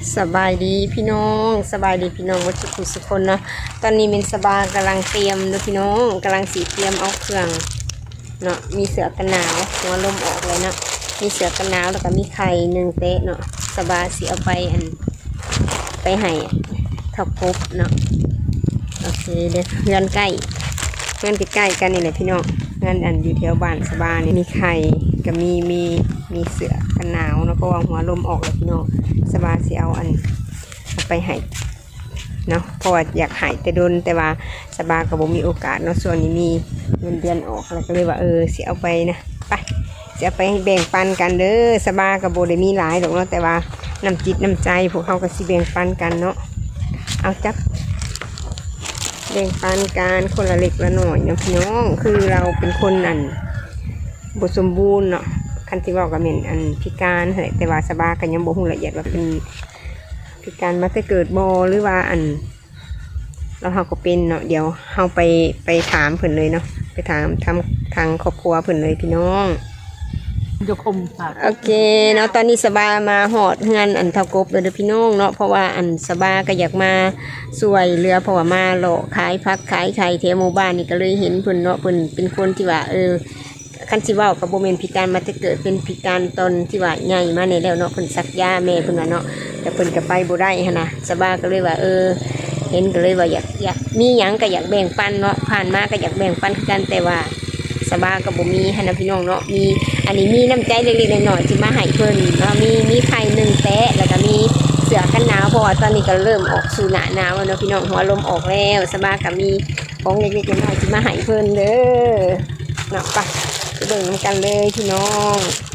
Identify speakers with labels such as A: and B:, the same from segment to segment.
A: สบายดีพี่น้องสบายดีพี่น้องวัดทุกสุคนเนาะตอนนี้เป็นสบายกำลังเตรียมนะพี่น้องกำลังสีเตรียมเอาเครื่องเนาะมีเสือกันหนาวหัวลมออกเลยเนาะมีเสือกันหนาวแล้วก็มีไข่1เตะเนาะสบายสีเอาไปให้ทอดกบเนาะโอเคเดี๋ยวเพื่อนใกล้กันนี่แหละพี่น้องเพื่อนอยู่แถวบ้านสบายนี่มีไข่กับมีเสือกันหนาวเนาะเพราะว่าหัวลมออกเลยพี่น้องสบายสีเอาไปให้เนาะเพราะว่าอยากหายแต่โดนแต่ว่าสบายกับผมมีโอกาสเนาะส่วนนี้มีเงินเดือนออกแล้วก็เลยว่าเสียเอาไปนะไปเสียไปแบ่งปันกันเด้อสบายกับโบได้มีหลายหรอกเนาะแต่ว่าน้ำจิตน้ำใจพวกเขาก็สิแบ่งปันกันเนาะเอาจับแบ่งปันกันคนละเล็กละหน่อยเนาะพี่น้องคือเราเป็นคนบทสมบูรณ์เนาะคันที่บอกกับเหม็นพิการแต่ว่าสบายกันยังบ่ฮู้ละเอียดว่าเป็นพิการมาแต่เกิดบ่หรือว่าเราก็เป็นเนาะเดี๋ยวเฮาไปถามเพิ่นเลยเนาะไปถามทางครอบครัวเพิ่นเลยพี่น้อง
B: ยกอมค่ะ
A: โอเคเนาะตอนนี้สบายมาหอดเฮือนเท่ากบเลยเด้อพี่น้องเนาะเพราะว่าสบายก็อยากมาสวยเรือเพราะว่ามาเลาะขายผักขายไข่แถวหมู่บ้านนี่ก็เลยเห็นเพิ่นเนาะเพิ่นเป็นคนที่ว่าคันสิเว้ากับบ่แม่นพิการมาแต่เกิดเป็นพิการตนที่ว่าใหญ่มาในแล้วเนาะเพิ่นสักยาแม่เพิ่นว่าเนาะแต่เพิ่นก็ไปบ่ได้หั่นน่ะสบายก็เลยว่าเห็นก็เลยว่าอยากมีหยังก็อยากแบ่งปันเนาะผ่านมาก็อยากแบ่งปันกันแต่ว่าสบายก็บ่มีหั่นน่ะพี่น้องเนาะมีอันนี้มีน้ำใจเล็กๆน้อยๆที่มาให้เพิ่นเนาะมีไข่1แตะแล้วก็มีเสื้อกันหนาวเพราะว่าตอนนี้ก็เริ่มออกสู่หน้าหนาวแล้วเนาะพี่น้องหัวลมออกแล้วสบายก็มีของเล็กๆน้อยๆที่มาให้เพิ่นเด้อเนาะไปเบิ่งกันเลยพี่น้อง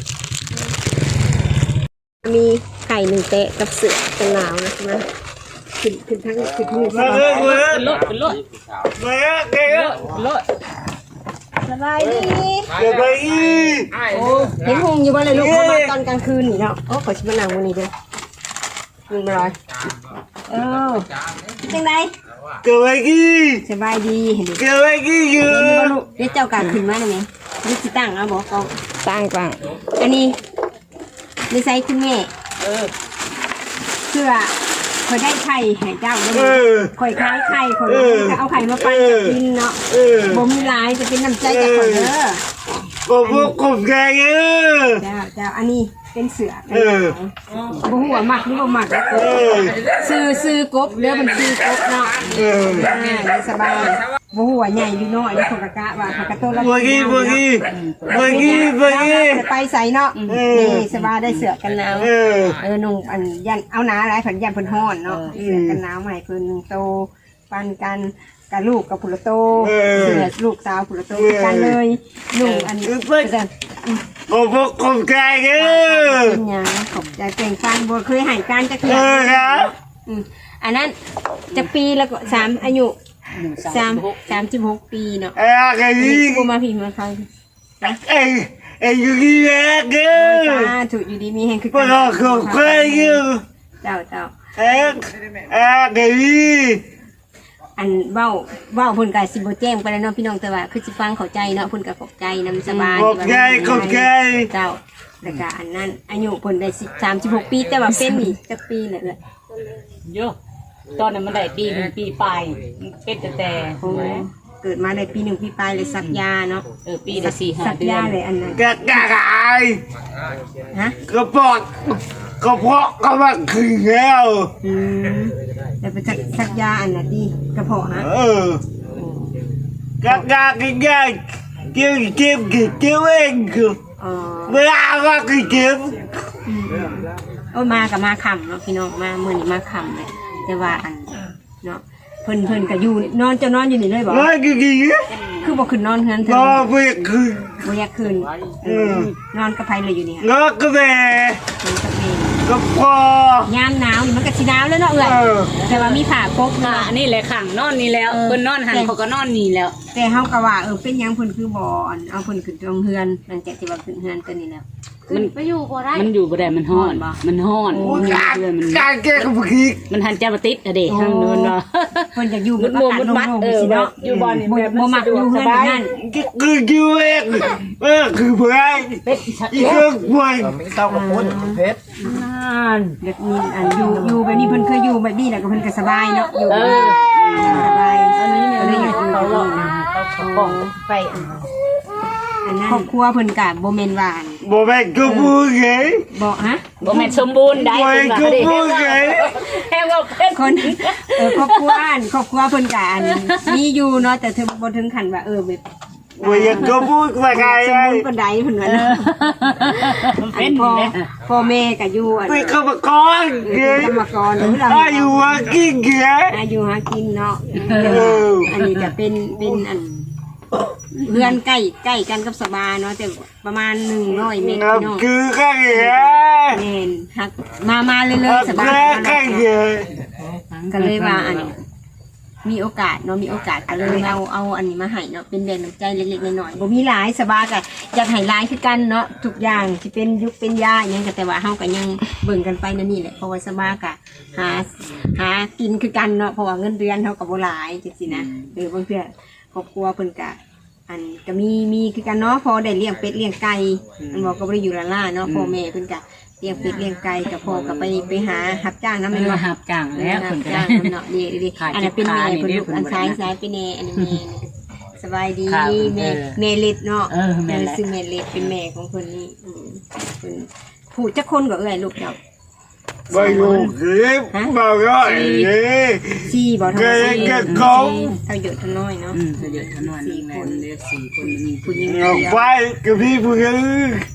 A: มีไข่1แตะกับเสื้อกันหนาวนะขึ้นทั้ง
B: เป็นรถ
A: สบายดีเห็นหงอยู่บ้านเลยลูกเขามาตอนกลางคืนนี่เนาะขอชิมะนาววันนี้ด้วยมีมาลอยจังไดสบายดีเห็นดิอยู่ลูกเดี๋ยวเจ้าการขึ้นมาได้ไหมนี่สิตั้งเอาบอกเขาตั้งอันนี้ในไซส์คุณแม่เสื้อคอยได้ไข่ให้เจ้าด้วยคอยคล้ายไข่คนจะเอาไข่มาปั้นจะกินเนาะบ่มีลายจะเป็นน้ำใจจากคนเด้
C: กบแกง
A: เจ้าอันนี้เป็นเสือบ่หัวหมักหรือบ่หมักซื้อกบเรือมันซื้อกบเนาะสบายบ่หัวใหญ่อยู่น้อยคนกะว่าโตแล้ว
C: บ่กี้
A: ไปใส่เนาะนี่สบายได้เสือกันหนาวนุ่งยันเอาหนาหลายผันยันเพิ่นฮ้อนเนาะเสือกันหนาวใหม่เพิ่นโตปันกันกับลูกกับผุระโตเสือลูกสาวผุระโตกันเลยนุ่ง
C: กบแกง
A: เป็นยังขอบใจเก่งฟันบัวเคยหายการจะเคยอันนั้นจะปีแล้วก็อายุ36 ปีเนาะบัวมาพิมพ์มาฟัง
C: อยู่ที่แรก
A: ถูกอยู่ดีมีแห่งคือ
C: การกบแกง
A: เจ้าเว้าเพิ่นก็สิบ่แจ้งไปแล้วเนาะพี่น้องแต่ว่าคือสิฟังเข้าใจเนาะเพิ่นก็ขอบใจนำสบาย
C: กบแกง
A: เจ้าแล้วก็อันนั้นอายุเพิ่นได้36 ปีแต่ว่าเป็นนี่จักปีแหละ
B: เยอะตอนนั้นมันได้ปี1ปีปลายเป็นแต่
A: เกิดมาได้ปี1ปีปลายเลยสักยาเนาะ
B: ปีละ4-5 เดือน
A: สักยาเลยอันนั้น
C: ก
A: ฮะ
C: กระเพาะก็มาขึ้นแล้ว
A: แต่เป็นสักยาอันน่ะดีกระเพาะฮะ
C: กกินยาเจ็บเองคือเวลาก็เจ็บ
A: มากับมาค่ำเนาะพี่น้องมามื้อนี้มาค่ำเลยแต่ว่าเนาะเพิ่นก็อยู่นอนจะนอนอยู่นี่เลยบ่คือบ่ขึ้นนอนเฮือนเธอ
C: บ่อยากขึ้น
A: นอนกับไผเลยอยู่นี่
C: นอนกับแม่ก็พ
A: อยามหนาวนี่มันก็สิหนาวแล้วเนาะแต่ว่ามีผ้าปก
B: นี่แหละขังนอนนี่แล้วเพิ่นนอนหันเขาก็นอนนี่แล้ว
A: แต่เฮาก็ว่าเป็นหยังเพิ่นคือบ่เอาเพิ่นขึ้นตรงเฮือนหลังจากที่ว่าขึ้นเฮือนตัวนี้แล้ว
B: มันไปอยู่บ่ได้มันฮ้อนมัน
C: การแก้กับพี่
B: มันหันจะมาติดเด้ทางโน้นบ่
A: เพิ่นอยากอยู่
B: มุ
A: กับ
B: ด
A: อา
B: มุม
A: กาศ
B: มุด
A: โล่
B: มัด
A: งๆสิเนาะ
B: อยู่บ่นี่
A: บ่มักอยู่เฮือนแบบนั้น
C: คือคิวเองคือเพื่อน
B: เป็ดชัด
C: อีกเครื่องเพื่อน
D: ไม่ต้องกับคนเพชร
B: นั่น
A: เด็กมีอันอยู่แบบนี้เพิ่นเคยอยู่แบบนี้แล้วก็เพิ่นก็สบายเนาะอยู่
B: เออ
A: สบาย
B: อันนี้เนี่ย
A: ก็เลยอยากอยู่
B: เขา
A: แบบ
B: หลอก
A: นี้นะ
B: เขากล่องไป
A: อันนั้นครอบครัวเพิ่นก็บ่แม่นว่า
C: บ่แม่นก็พูดไง
A: บ่ฮะ
B: บ่แม่นสมบูรณ์ได้
C: บ่แม่นก็พูดไง
B: แค่ว่าเป็น
A: คนครอบครัวเพิ่นก็อันมีอยู่เนาะแต่เธอบ่ถึงขั้นว่าแบบ
C: บ่อยากก็พูดว่าไง
A: สมบูรณ์ปานใดเพิ่นว่าเนาะ
B: มัน
A: อั
B: เป็น น
A: พ่อ
B: เนี่ย
A: พ่อแม่ก็อยู่อัน
C: เป็นกรรมกรไง
A: กรรมกรหรือเรา
C: อายุว่ากินไง
A: อายุหากินเนาะ
C: เออ
A: อันนี้จะเป็นอันเพื่อนใกล้กันกับสบาเนาะแต่ประมาณ100เมตร
C: นับ
A: เนาะ
C: คือไง
A: แม่นฮักมาเลย
C: นับ
A: สบา
C: คือไง
A: ก็เลยว่าอันมีโอกาสเนาะมีโอกาสก็เลยเอาอันนี้มาให้เนาะเป็นแรงน้ำใจเล็กๆน้อยๆบ่มีหลายสบาก็อยากให้หลายคือกันเนาะทุกอย่างสิเป็นยุคเป็นยาอิหยังก็แต่ว่าเฮาก็ยังเบิ่งกันไปนั่นนี่แหละเพราะว่าสบาก็หากินคือกันเนาะเพราะว่าเงินเดือนเฮาก็บ่หลายจังซี่นะบางเทื่อครอบครัวเพิ่นก็อันก็มีคือกันเนาะพอได้เลี้ยงเป็ดเลี้ยงไก่มันบอกก็บ่ได้อยู่ละล่าเนาะพ่อแม่เพิ่นก็เลี้ยงเป็ดเลี้ยงไก่กับพ่อก็ไปหารับจ้างนำ
B: มัน
A: แม่น
B: มา
A: บ่
B: หับจังแล้วคนก็
A: จ้า
B: ได้
A: งเนาะดีอันนั้นเป็นแม่เพิ่นลูกอันซ้ายเป็นแม่อันนี้แม่สบายดีแม่เล็ดเนาะซึ่งแม่เล็ดเป็นแม่ของเพิ่นนี่เพิ่นผู้จักคนก็เอ้ยลูกเจ้า
C: ไม่รู้คือบอกว่าเอ๊ะ
A: 4บ่ทั้ง
C: เกิด
A: 4
C: กับเขา
A: เท่าเยอะเท่าน้อยเนาะ
B: เยอะขนาดนี้แม่เลือก4คนมี
A: ผู้หญิง
C: เอาไปกับพี่ผู้หญิง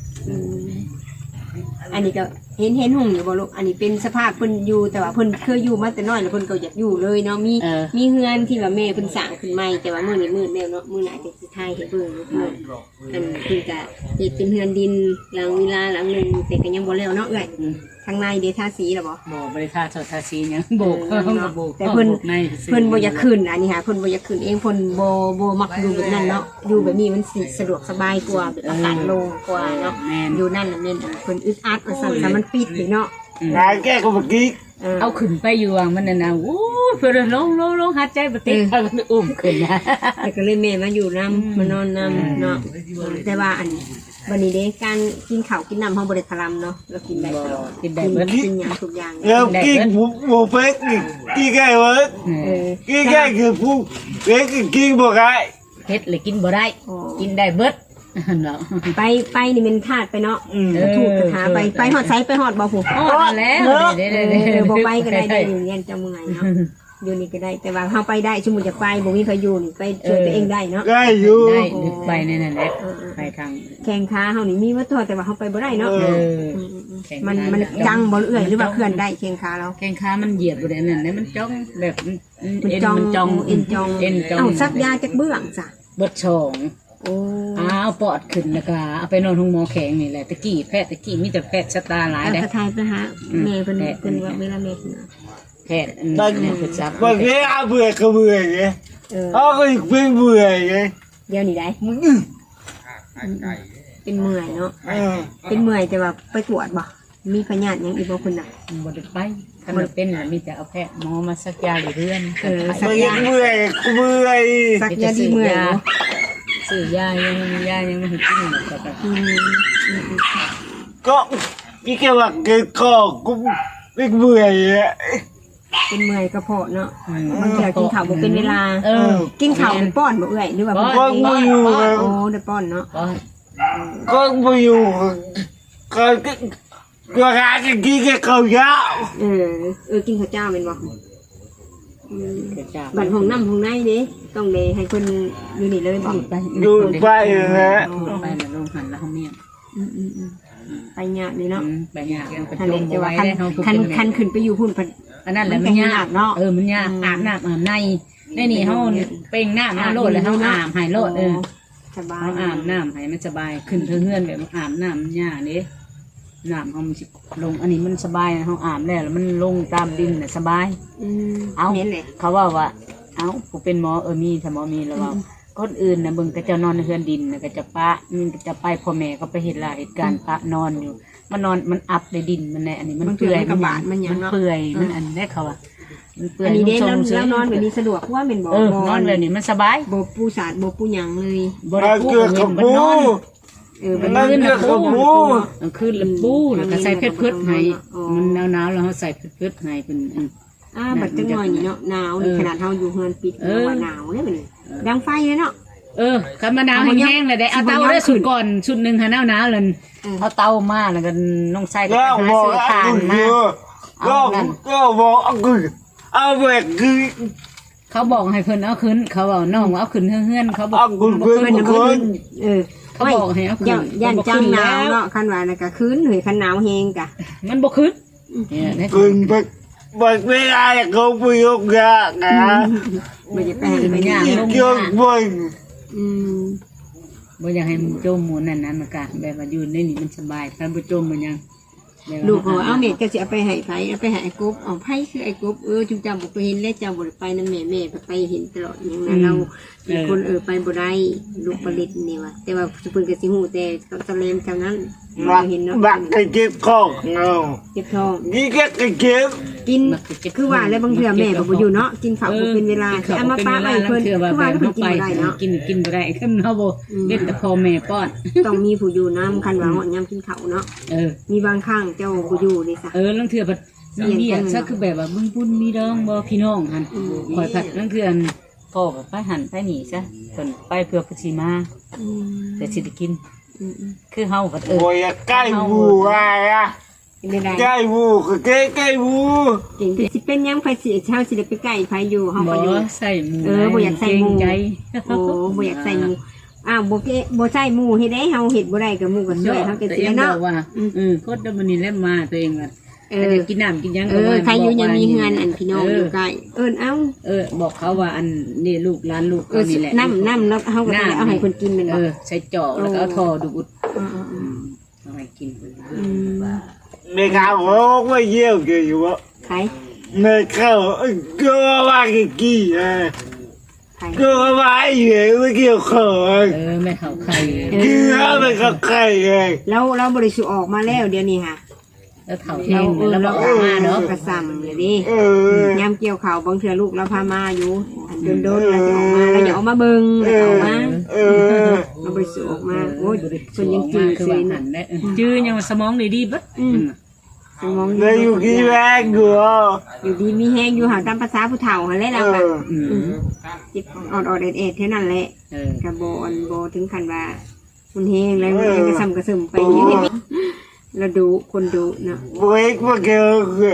A: อันนี้ก็เห็นหุ่งอยู่บ่ลูกอันนี้เป็นสภาพเพิ่นอยู่แต่ว่าเพิ่นเคยอยู่มาแต่น้อยแล้วเพิ่นก็อยากอยู่เลยเนาะมีเฮือนที่ว่าแม่เพิ่นสร้างขึ้นใหม่แต่ว่ามื้อนี้มืดแล้วเนาะมื้อหน้าจะสิถ่ายให้เบิ่งเนาะอันเพิ่นก็เฮ็ดเป็นเฮือนดินหลังวิลาหลังนึงแต่ก็ยังบ่แล้วเนาะเอ้ยทางในเดทาสีแล้วบ่
B: บ่บริษัทสดทาสียังโบกโบก
A: แต่เพิ่นบ่อยากขึ้นอันนี้ค่ะเพิ่นบ่อยากขึ้นเองเพิ่นบ่มักอยู่แบบนั้นเนาะอยู่แบบนี้มันสิสะดวกสบายกว่าแบบอากาศโล่งกว่าเนาะอยู่นั่นน่ะแม่นเพิ่นอึดอัดว่าซั่นแต่มันปิดนี่เนาะ
C: งานแก้ก็เมื่อกี้
B: เอาขึ้นไปอยู่อ่ะมันน่ะโอ้เพื่อนลงหัดใจบ่ติดถ้ามันอุ้มขึ้นนะ
A: แต่ก็เลยแม่มาอยู่น้ำมานอนน้ำเนาะแต่ว่าอันวันนี้เด้การกินข้าวกินน้ำห้องบริคารเนาะเรากินได้ตลอด
B: กินได้เบิด
A: กินอย่างทุกอย่าง
C: แล้วกินหมูเป็ดกินไก่เบิร์ด
A: เออ
C: กินไก่คือผู้เป็ดกินบ่ไก่
B: เฮ็ดเลยกินบ่ได้กินได้เบิดเนาะ
A: ไปนี่เป็นธาตุไปเนาะถูกกระถาไปหอดไซไปหอดบ่ผู
B: อ๋อแล้วเด้
A: บ่ไปก็ได้ได้อยู่เรียนจะเมื่อยเนาะอยู่นี่ก็ได้แต่ว่าเฮาไปได้สมมุติจะไปบ่มีพายุนี่ไปช่วยตัวเองได้เนาะ
C: ได้อยู่
B: ได้ไปนั่นแหละไปทาง
A: แข่งขาเฮานี่มีว่าตัวแต่ว่าเฮาไปบ่ได้เนาะ มัน
B: จั
A: จังบ่เอื้อยหรือว่าเคลื่อนได้แข่งขาเรา
B: แข้งขามันเหยียบบ่ได้นั่นแหละมันจ้องแบบ
A: มันจอง
B: เอ็นจอง
A: เอาซักยาจากเบื้องจ้ะ
B: เบิดช่อง
A: โอ้
B: เอาปอดขึ้นแล้วก็เอาไปนอนห้องหมอแข็งนี่แหละตะกี้แพทย์ตะกี้มีแต่แพทย์ชะตาหลาย
A: เอา
B: เด้
A: กระทายไปหาแม่เพิ่นว่าเวลาแม่ขึ้น
B: แพทย์เนี่ยคือจับบ
C: างทีอาเบื่อก็เบื่อไง เขาก็เป็นเบื่อไง
A: เดี๋ยวนี้ได้เป็นเมื่อยเนาะ
C: เออ
A: เป็นเมื่อยแต่ว่าไปตรวจบ่มีพยาธิหยังอีกบ่คุณน่ะ
B: บ่ได้ไปถ้ามันเป็นน่ะมีแต่เอาแพทย์หมอมาสักยาอยู่เรือน
A: สัก
C: มัน
A: ยา
C: เบื่อก็เบื่อ
A: สักยาดีเมื่อยเนาะ
B: ซื้อยายังไม่ให้กินหรอกแต่
C: ก็พี่แค่ว่าเกิดคอกูไม่เบื่ออ่ะ
A: เป็นเมื่อยกระเพาะเนาะบางทีกินข้าวบ่เป็นเวลา กินข้าวป้อนบ่เอื้อยหรือว่า
C: ก็ไม่อยู่
A: โอ้ได้ป้อนเนาะ
C: ก็ไม่อยู่ก็หากินแค่ข้าวยาว
A: กินข้าวเจ้าเป็นบ่บัดห้องน้ำห้องในเด้ต้องเดให้คนอยู่นี่เลยบ่
C: ดูไปนะ
B: ไปแล้วลงหันแล้วเขาเมีย
A: ไปยากนี่เนาะ
B: ไปยากยังไป
A: คัน
B: ลง
A: จะ
B: ไว้
A: ว่า
B: ได้เขา
A: คันขึ้นไปอยู่พุ่น
B: อันนั้นแหละมันยากเนาะมันยากอาบน้ำอาบในนี่เขาเป่งน้ำมาโลดแล้วเขาอาบหายโลด
A: สบาย
B: เขาอาบน้ำให้มันสบายขึ้นเพื่อนแบบอาบน้ำยากนี่น้ำเขามันลงอันนี้มันสบายเขาอาบแล้วมันลงตามดินน่ะสบายเอาเขาว่าเอาผมเป็นหมอมีถ้าหมอมีแล้วว่าคนอื่นนะมึงก็จะนอนในเฮือนดินก็จะปะมึงก็จะไปพ่อแม่ก็ไปเห็นเหตุการณ์ปะนอนอยู่มันนอนมันอับในดินมันในอันนี้มันเปื่อยมันเปื่อยมันอันได้เขาว่ามันเปื่อ
A: อั
B: ย
A: นนี้เด้
B: นุ่ม
A: แล้วนอนแบบนี้สะดวกเพราะว่าเป็นบ่
B: นอนแบบนี้มันสบาย
A: บ่ปูสาดบ่ปูหยังเลย
B: บ่ได้ปูกับเงินบ่นอน
A: มัน
C: นั่น
A: ลื่น
C: เกี่ยวกับหมู
B: กลางคืนแล้วปูแล้วก็ใส่เพชรพืชให้มันหนาวๆแล้วเฮาใส่เพชรพืชให้เป็น
A: บัดจังหน่อยนี่เนาะหนาวนี่ขนาดเฮาอยู่เฮือนปิดว่าหนาวเลยบัดนี้ดังไฟเลยเนาะ
B: คันมะนาวแห้งๆเลยได้เอาเตาได้สุดก่อนชุดนึงหาหนาวๆเลยเอาเตามาแล้วก็น้องใส่ก็
C: ก็
B: หา
C: บอก
B: ซื้อทานมา
C: ก็บอกเอาไปคือ
B: เขาบอกให้เพิ่นเอาขึ้นเขาบอกน้องเอาขึ้นเฮือนเขาบอก
C: เอาคุณเพื่อนคน
B: เขาบอกให้เอาขึ้น
A: ย่านจังหนาวเนาะคันว่าแล้วก็คืนเฮ้ยคันหนาวแฮงกะ
B: มันบ่ขึ้น
C: คุณไปบอกไม่ได้เขาไปยกยานะ
A: บ่จะไปให้ไปย่าง
C: ยกบน
B: บ่อยากให้มันจมหมูนั่นนะมันก็แบบว่าอยู่ในนี่มันสบายถ้าบ่จมมันยัง
A: ลูกเขาเอาแม่ก็สิเอาไปให้ไผเอาไปให้ไอ้กบเอาไผคือไอ้กบจุจำบ่ไปเห็นแล้วจำบ่ได้ไปนำแม่ไปเห็นตลอดอย่างนั้นเราเป็นคนไปบ่ได้ลูกผลิตนี่ว่าแต่ว่าเพิ่นก็สิฮู้แต่เขาตะเลมจังนั้น เห็นเนาะ
C: บักกระเจ็บคอเงา
A: เจ็บท้อง
C: นี่ก็กระเจ็บ
A: กินคือว่าแล้วบางเทื่อแม่ก็บ่อยู่เนาะกินข้าวบ่เป็นเวลาเอามาป้าไว้เพิ่นคือว่าเพิ่นกินบ่ได้เนาะ
B: กินบ่ได้ขึ้นเฮาบ่เล่นแต่พ่อแม่ป้อน
A: ต้องมีผู้อยู่นำคันว่าฮอดยามกินข้าวเนาะมีบางครั้งเจ้าบ่อยู่นี่ซะ
B: ลังเทื่อบัดมีเบียซะคือแบบว่าบุญมีดองบ่พี่น้องหั่นคอยผัดลังเทื่อพ่อก็ไปหันไปนี่ซะเพิ่นไปเพื่อสิมาแต่สิได้กินคือเฮาก็
C: โอ้ยใกล้บูอะไรอะใกล้บูก็ใกล้บู
A: จริงสิเป็นยังไผสิเช้าสิได้ไปใกล้ไผอยู่เฮาก็อยู่
B: ใส่หมู
A: บ่อยากใส่หมู
B: ใจ
A: โอ้บ่อยากใส่หมูบ่ใส่หมูเฮ็ดได้เฮาเฮ็ดบ่ได้ก็หมูก็ช่วยเฮาก็สิเนาะ
B: ว่าโคตรมันนี่แล้วมาตัวเองว่ากินน้ำกินยัง
A: ใครอยู่ยังมีเฮือนอันพี่น้องอยู่ใกล้เอ้า
B: บอกเขาว่าอันนี่ลูกร้านลูกนี่แหละ
A: น้ำเนาะเฮาก็เอาให้คนกินแม่นบ่
B: ใส่จอกแล้วก็เอาทอดูดเอาให้กิน
C: ในข่าวเขาก็เยี่ยมกันอยู่ว่า
A: ใคร
C: ในข่าวก็ว่ากี่ก็ว่าอยู่ไม่เกี่ยวข้อง
B: ไม่เข้าใคร
C: คือไม่เข้าใครไง
A: เราบริสุทธิ์ออกมาแล้วเดี๋ยวนี้ค่ะ
B: แล้วเถ่าแห้งแล้วบอกมาเนาะ
A: กระซำเลยดิยามเกี่ยวข่าวบางเทื่อลูกเราพามาอยู่โดนเราจะออกมาเราอย่าออกมาเบิ่งเราออกมาเราบริสุทธิ์ออกมาโอ้ยคนยังจืด
B: คือ
A: เซ
B: ว่าน หันได้จื้อยังสมองดีๆบัด
A: สมอง
C: เลยอยู่ที่แรกกู
A: อยู่ดีมีแห้งอยู่หาตามภาษาผู้เฒ่าหันแหละเราแบบจิบอดเอ็ดเท่านั้นแหละกระโบถึงขันว่ามันแห้งแล้วมันกระซำกระซึมไปอย่างนี้เราดูคนดูเนาะ
C: บอยก็เกี่ยวกั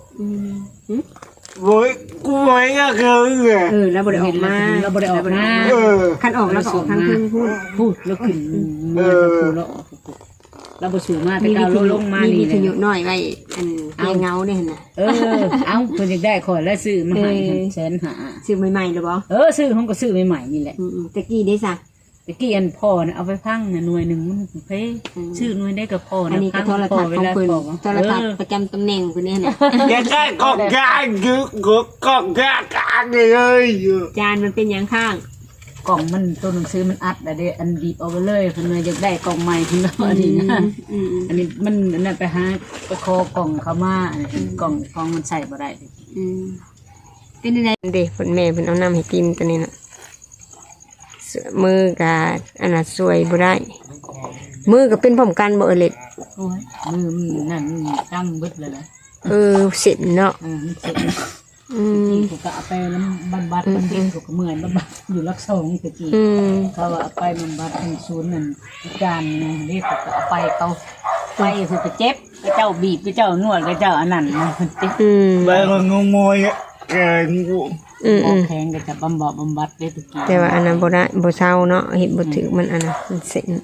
C: บบอยกูบอยก็เกี่ยวกับ
A: เราบริออกมา
B: เราบ่ได้ออกมา
A: คันออกแล้วก็ออกทางพึ่งพูด
B: แล้วขึ้นพูดแล้วเราบ่สูงมาแต่ก้าวลงมานี่
A: มีขยุน้อยไว้อันเงาเนี่ยนะ
B: เอาเพิ่นอยากได้ขอแล้วซื้อมาให้150,000
A: ซื้อใหม่ๆหรือเปล่า
B: ซื้อห้องก็ซื้อใหม่ๆนี่แหละ
A: ตะกี้ได้ซะ
B: ตะกี้อันพ่อนะเอาไปพังหน่วยหนึ่งมันเพ่ชื่อหน่วยได้กับพ่อ
A: อัน
B: นะ
A: นี้ก็โทรทัศน์ของเพิ่นโทรทัศน์ประจำตำแหน่งเพิ่นเนี่ยนะ
C: อย่าได้กอกยางยึกกอกยางกันเลย
A: จานมันเป็นอย่างข้าง
B: กล่องมันตัวหนังสือมันอัดแต่เดอันดีบเอาไปเลยเพิ่นเลยอยากได้กล่องใหม่เพิ่นแล้วอันนี้นะอันนี้มันนั่นไปหาไปคอกล่องเขามากล่องมันใส่บ่ได้
A: เป็นยังไงเด็กคนแม่เพิ่นเอาน้ำให้กินตัวนี้น่ะมือกับอันน่ะสวยบ่ได้มือก็เป็นพร้อมกันบ่เล็ด
B: โอ้ยมือมันนั่นตั้งเบิดเลยนะ
A: เสร็จเนาะ
B: มันเสร็จถูกก็เอาไปแล้วบัดมันเด็กถูกก็เหมือนบัดอยู่รักสองตะกี้เขาเอาไปบัดเป็นศูนย์นั่นการนะเรียกก็เอาไปเขาไปคือไปเจ็บก็เจ้าบีบก็เจ้านวดก็เจ้าอันนั้นมันเจ็บ
C: ไปงงงยแกงกู
B: แข็งก็จะบำบัดได้ตะกี้
A: แต่ว่าอันนั้นบ่ได้บ่เศร้าเนาะเฮ็ดบ่ถึกมันอันนั้นมันเส้น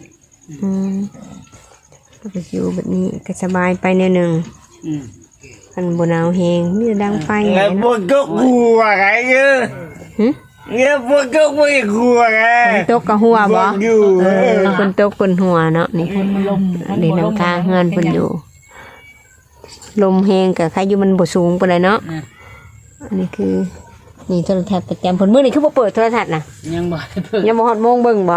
A: ก็ไปอยู่แบบนี้ก็สบายไปแนวนึงคันบ่หนาวแฮงมีแต่ดังไฟ
C: แล้วพวกก็กลัวไงเนี่ยพวกก็ไม่กลัวไง
A: ตกกะหัวบ่คนตกคนหัวเนาะนี่นี่นำทางเฮือนเพิ่นอยู่ลมแฮงก็ใครอยู่มันบ่สูงปานใดเนาะอันนี้คือนี่โทรทัศน์ประจำเพิ่นมื้อนี้คือบ่เปิดโทรทัศน์น่ะ
B: ยังบ่เปิด
A: ยังบ่ฮอดโมงเบิ่งบ่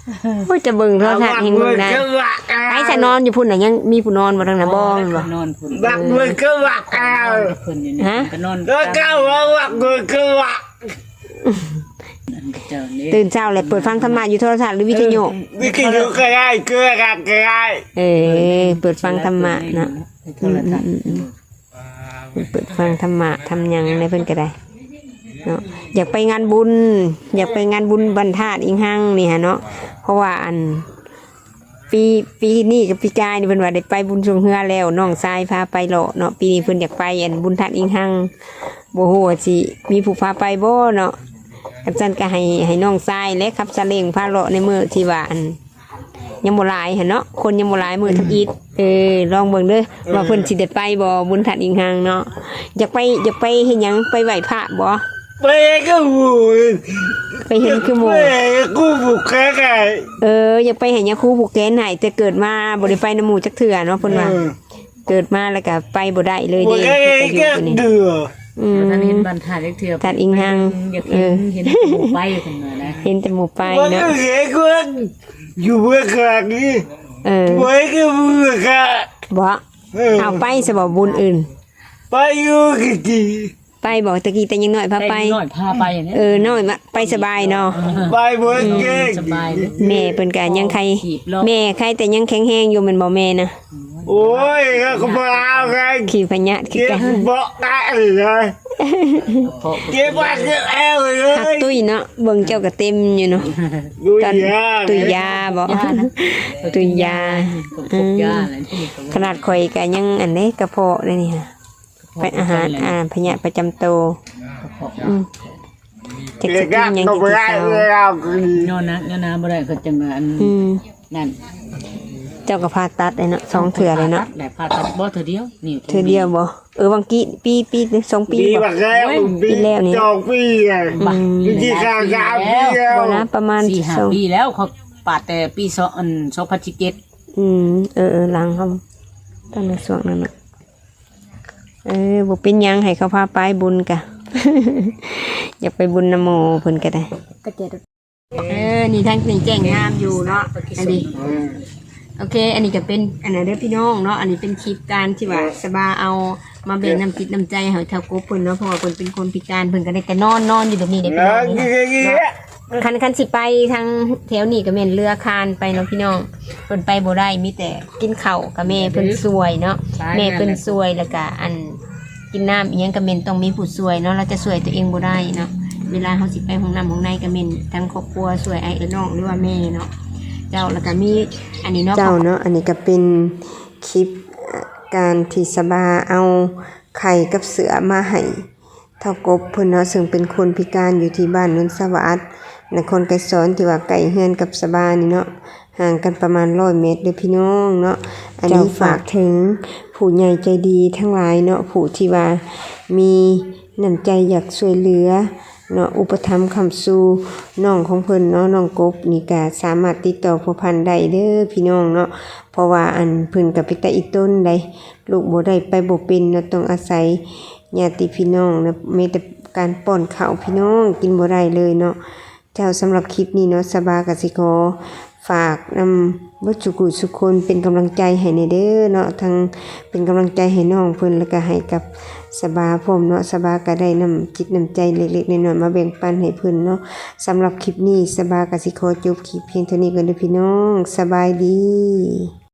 A: โอ้ยจะเบิ่งโทรทัศน์เฮงเบิ่งได้ไอ้จะนอนอยู่พุ่นน่ะยังมีผู้นอนบ่ทางน่ะบ่แม่นบ่
B: นอนพุ่น
C: บักมือก็บักเอา
B: เพิ่นอยู่นี่
A: ฮะ
B: ก็นอน
C: แล้วก็ว่าบักมือก็บัก
B: เจ้านี่
A: ตื่นเช้าเลยเปิดฟังธรรมะอยู่โทรทัศน์หรือวิทยุ
C: วิกิยุก็ได้เกลือกันก็ได้
A: เปิดฟังธรรมะเนาะ
B: โทรทัศน์
A: เปิดฟังธรรมะทำหยังในเพิ่นก็ได้เนาะอยากไปงานบุญ อยากไปงานบุญบรรทัดอิงหังนี่ฮะเนาะเพราะว่าอันปีนี้กับปีกายนี่เพิ่นว่าได้ไปบุญชงเฮือแล้วน้องชายพาไปเลาะเนาะปีนี้เพิ่นอยากไปอันบุญทัดอิงหังบ่ฮู้ว่าสิมีผู้พาไปบ่เนาะอาจารย์ก็ให้น้องชายและขับซาเล้งพาเลาะในมื้อที่ว่าอันยังบ่หลายหั่นเนาะคนยังบ่หลายมื้อทักอีทลองเบิ่งเด้อว่าเพิ่นสิได้ไปบ่บุญทัดอิงหังเนาะอยากไปเฮ็ดหยังไปไหว้พระบ่
C: ไปก็บู
A: ไปเห็นคือหมู่
C: ไปกูบุกแค่ไง
A: อยากไปเห็นยาคูผูกแขนให้แต่เกิดมาบ่ได้ไปน้ำหมู่จักเทื่อเนาะเพิ่นว่าเกิดมาแล้วก็ไปบ่ได้เลย
C: บุก
A: เด้
C: แค่
A: ไปอยู่ตัวนี้
C: เดือ
B: ท่านเห็นบรรทัดเล็กเทื่อ
A: ทัดอิงหัง
B: อยากเห็นหมู่ไปเพิ่นน่ะนะ
A: เห็นแต่หมู่ไป
C: มัน
A: เนาะ
C: ก็เห็นกูอยู่เมื่อครั้งนี้
A: บ่
C: ไว้ก็เมื่อครั้ง
A: เอาไปสบบุญอื่น
C: ไปอยู่กี่ที
A: ไปบอกตะกี้แต่ยังน้อยพาไป
B: น้อยพาไปอย่างนี้
A: น้อยมาไปสบายเนาะ
C: ไปเมื่อเก่ง
B: สบายเลย
A: แม่เพิ่นก็ยังใครแม่ใครแต่ยังแข็งแรงอยู่แม่นบ่แม่นะ
C: โอ้ยก็มาเอาไง
A: ขี่พญะคือ
C: เก็
A: กับ น
C: บอกได้เลยเก็บบ้านเก็บแอลเลย
A: หักตุ้ยเนาะเบิ่งเจ้าก็เต็มอยู่เนาะ
C: ดู
A: ตอน
C: ยา
A: ตุยยาบ่ตุยยา
B: พบยาอะไรที่
A: ขนาดข่อยก็ยังอันนี้กระเพาะเลยนี่ค่ะเป็นอาหารพยาธิประจำตัวจะ
C: เก็
A: กิ
C: บ
A: น
C: ยา
A: ยัง
C: ก็
A: กิน
C: ไม่ได้
A: เช้า
C: เลยเอาคืน
B: ย้อนนะบ่ได้ก็จังอันนั่น
A: เจ้าก็พาตัดเลยเนาะ2เถื่อเลยเนาะ
B: ได้ผ่าตัดบ่เทื่อเดียวนี่
A: เถื่อเดียวบ่บางกี้ปี2 ปี
C: ปี
A: บ่
C: บักแล้วปีจองปีไงที่ข้างกาวปีแล้ว
A: บ่นะประมาณ
B: 4-5 ปีแล้วเขาปาดแต่ปี2017
A: หลังเขาตอนในช่วงนั้นน่ะบ่เป็นหยังให้เขาพาไปบุญกะ อยากไปบุญนโมเพิ่นก็ได้ก็เจ็ดนี่ทางนี่แจ้งงามอยู่เนาะอันนี้โอเค อันนี้ก็เป็นอันนั้นเด้อพี่น้องเนาะอันนี้เป็นคลิปการที่ว่าสบาเอามาแบ่งน้ำจิตน้ำใจให้เท่ากบเพิ่นเนาะเพราะว่าเพิ่นเป็นคนพิการเพิ่นก็ได้แต่นอนอยู่แบบนี้เด้อพี่น้องคันสิไปทางแถวนี้ก็แม่นเรือคานไปเนาะพี่น้องเพิ่นไปบ่ได้มีแต่กินข้าวกับแม่เพิ่นซวยเนาะแม่เพิ่นซวยแล้วก็อันกินน้ำอีหยังก็แม่นต้องมีผู้ซวยเนาะเราจะซวยตัวเองบ่ได้เนาะเวลาเฮาสิไปห้องน้ำห้องในก็แม่นทั้งครอบครัวซวยไอ้น้องหรือว่าแม่เนาะเจ้าแล้วก็มีอันนี้เนาะเจ้าเนาะอันนี้ก็เป็นคลิปการที่สบาเอาไข่กับเสือมาให้เท่ากบเพิ่นเนาะซึ่งเป็นคนพิการอยู่ที่บ้านนนสวัสดิ์นครไกรสอนที่ว่าไก่เฮือนกับสบานี่เนาะห่างกันประมาณ100 เมตรเด้อพี่น้องเนาะอันนี้ฝากถึงผู้ใหญ่ใจดีทั้งหลายเนาะผู้ที่ว่ามีน้ำใจอยากช่วยเหลือเนาะอุปถัมภ์คำสู่น้องของเพิ่นเนาะน้องกบนี่ก็สามารถติดต่อผู้พันได้เด้อพี่น้องเนาะเพราะว่าอันเพิ่นก็เป็นตาอีต้นได้ลูกบ่ได้ไปบ่เป็นเนาะต้องอาศัยญาติพี่น้องนะมีแต่การป้อนข้าวพี่น้องกินบ่ได้เลยเนาะเจ้าสำหรับคลิปนี้เนาะสบากสิขอฝากนำบ่จุกุสุคนเป็นกำลังใจให้ในเด้อเนาะทั้งเป็นกำลังใจให้น้องเพิ่นแล้วก็ให้กับสบาพร้อมเนาะสบาก็ได้นำจิตนำใจเล็กๆน้อยๆมาแบ่งปันให้เพิ่นเนาะสำหรับคลิปนี้สบากสิขอจบคลิปเพียงเท่านี้ก่อนเด้อพี่น้องสบายดี